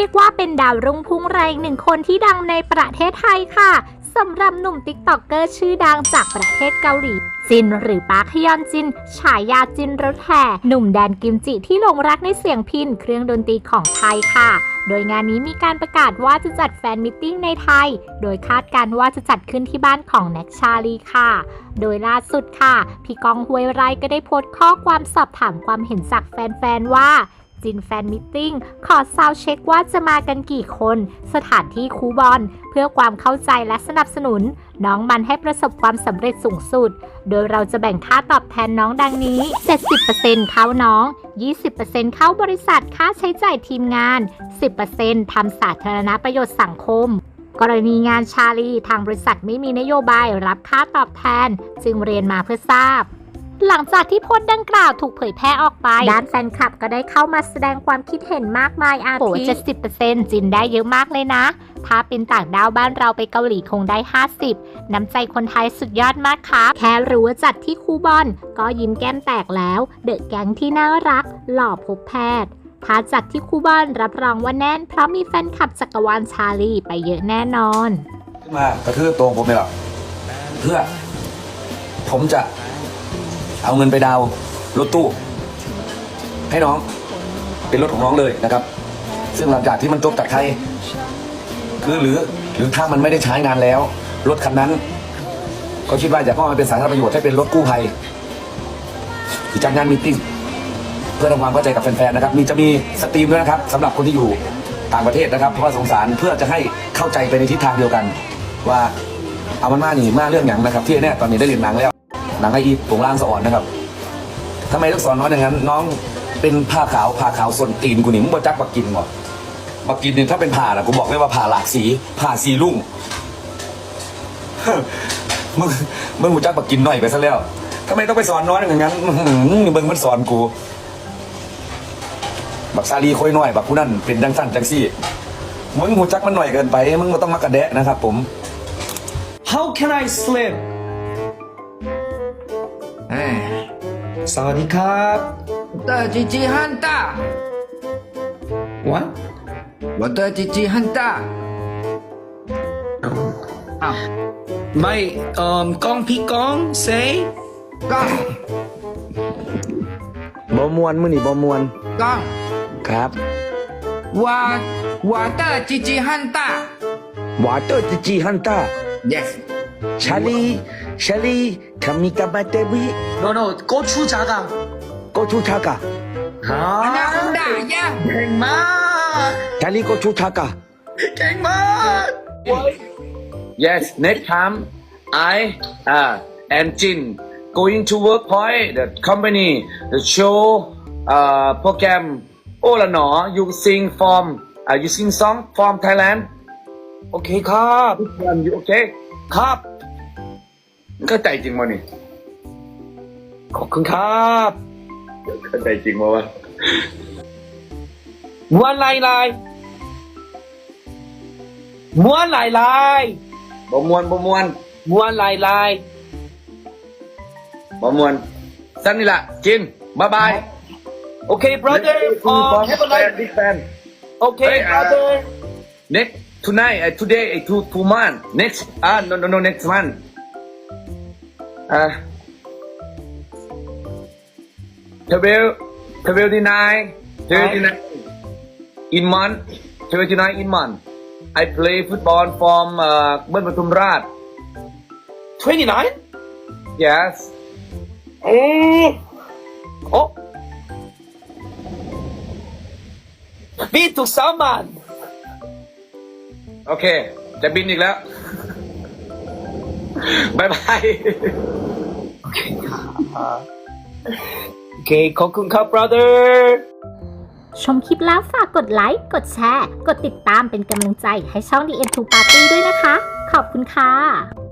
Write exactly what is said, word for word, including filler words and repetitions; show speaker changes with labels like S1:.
S1: ยกว่าเป็นดาวรุ่งพุ่งแรงหนึ่งคนที่ดังในประเทศไทยค่ะสำหรับหนุ่มติ๊กต็อกเกอร์ชื่อดังจากประเทศเกาหลีจินหรือปาร์คฮยอนจินฉายาจินรถแห่หนุ่มแดนกิมจิที่หลงรักในเสียงพิณเครื่องดนตรีของไทยค่ะโดยงานนี้มีการประกาศว่าจะจัดแฟนมิทติ้งในไทยโดยคาดการว่าจะจัดขึ้นที่บ้านของแน็กชาลีค่ะโดยล่าสุดค่ะพี่กองห้วยไร่ก็ได้โพสต์ข้อความสอบถามความเห็นจากแฟนๆว่าจินแฟนมิทติ้งขอซาวเช็คว่าจะมากันกี่คนสถานที่คูบอลเพื่อความเข้าใจและสนับสนุนน้องมันให้ประสบความสำเร็จสูงสุดโดยเราจะแบ่งค่าตอบแทนน้องดังนี้ เจ็ดสิบเปอร์เซ็นต์ เข้าน้อง ยี่สิบเปอร์เซ็นต์ เข้าบริษัทค่าใช้จ่ายทีมงาน สิบเปอร์เซ็นต์ ทำสาธารณประโยชน์สังคมกรณีงานชาลีทางบริษัทไม่มีนโยบายรับค่าตอบแทนจึงเรียนมาเพื่อทราบหลังจากที่โพสต์ดังกล่าวถูกเผยแพร่ออกไปด้านแฟนคลับก็ได้เข้ามาแสดงความคิดเห็นมากมายอาทิ เจ็ดสิบเปอร์เซ็นต์ จินได้เยอะมากเลยนะถ้าเป็นต่างดาวบ้านเราไปเกาหลีคงได้ห้าสิบน้ำใจคนไทยสุดยอดมากครับแค่รู้ว่าจัดที่คูบอนก็ยิ้มแก้มแตกแล้วเดอะแก๊งที่น่ารักหล่อพบแพทย์ถ้าจัดที่คูบอนรับรองว่าแน่นเพราะมีแฟนคลับจักรวาลชาลีไปเยอะแน่นอน
S2: ขึ้นมากระทืบตัวผมเลยหรอเพื่อผมจะเอาเงินไปดาวรถตู้ให้น้องเป็นรถของน้องเลยนะครับซึ่งหลังจากที่มันจบจากไทยคือหรือหรือถ้ามันไม่ได้ใช้งานแล้วรถคันนั้นก็คิดว่าอยากเอามาเป็นสาธารณประโยชน์ให้เป็นรถกู้ภัยที่จัดงานมีตติ้งเพื่อทำความเข้าใจกับแฟนๆนะครับมีจะมีสตรีมด้วยนะครับสำหรับคนที่อยู่ต่างประเทศนะครับเพราะว่าสงสารเพื่อจะให้เข้าใจไปในทิศทางเดียวกันว่าเอามันมาหนีมาเรื่องอย่างนะครับที่แน่ตอนนี้ได้เรียนหนังแล้วหนังไออีผงล่างสะอ่อนนะครับทำไมต้องสอนน้องอย่างนั้นน้องเป็นผ้าขาวผ้าขาวส่วนตีนกูนี่มึงบ่จักบักกินหมดบักกินเนี่ยถ้าเป็นผ่านะกูบอกเลยว่าผ่าหลากสีผ่าสีลุ่งมึงมึงกูจักบักกินหน่อยไปซะแล้วทำไมต้องไปสอนน้องอย่างนั้นมึงมันสอนกูบักซาลีค่อยน้อยบักกูนั่นเป็นจังสั้นจังซี่มึงหูจักมันหน่อยเกินไปมึงก็ต้องมากระแดะนะครับผม
S3: How can I sleep สวัสดีครับ
S4: 我的鸡鸡很大
S3: What
S4: 我的鸡鸡很大
S3: อ้าวไม่เอ่อกองพี่กอง say
S4: 杠
S2: บอมวนมือนี่บอมวน
S4: 杠
S2: ครับ
S4: 我我的鸡鸡很大
S2: วาเตอร์จิจิฮันต้า
S4: Yes
S2: ชาลีชาลีคามิกาบาเตวิ
S3: no no go to 자가
S2: โกชูทากะ
S3: ฮะ
S4: 那很大呀
S3: เก่งมาก
S2: ชาลีโกชูทากะ
S3: เก่งมาก Yes next time I uh and Jin going to work point the company the show uh program โอ้ละหนอ you sing from uh you sing song from Thailand โอเคครับทุกคนอยู่โอเคครับเข้าใจจริงมั้ยนี่ขอบคุณครับเข้าใจจริงมั้ยวะม้วนลายลายม้วนลายลายบ่ม้วนบ่ม้วนม้วนลายลายบ่ม้วนสั้นนี่ล่ะจินบายบายโอเค brother uh, have a nice big fan okay brother next tonight uh, today uh, two two month next ah no no no next month uh twelve twenty nine twenty nine in month twenty nine in month I play football from uh เบิ้ลปทุมราช twenty nine yes โอ้โอ้พี่ถูกสามวันโอเคจะบินอีกแล้วบายบายโอเคครับโอเคขอบคุณครับ brother
S1: ชมคลิปแล้วฝากกดไลค์กดแชร์กดติดตามเป็นกำลังใจให้ช่อง ดี เอ็ม ทู Party ด้วยนะคะขอบคุณค่ะ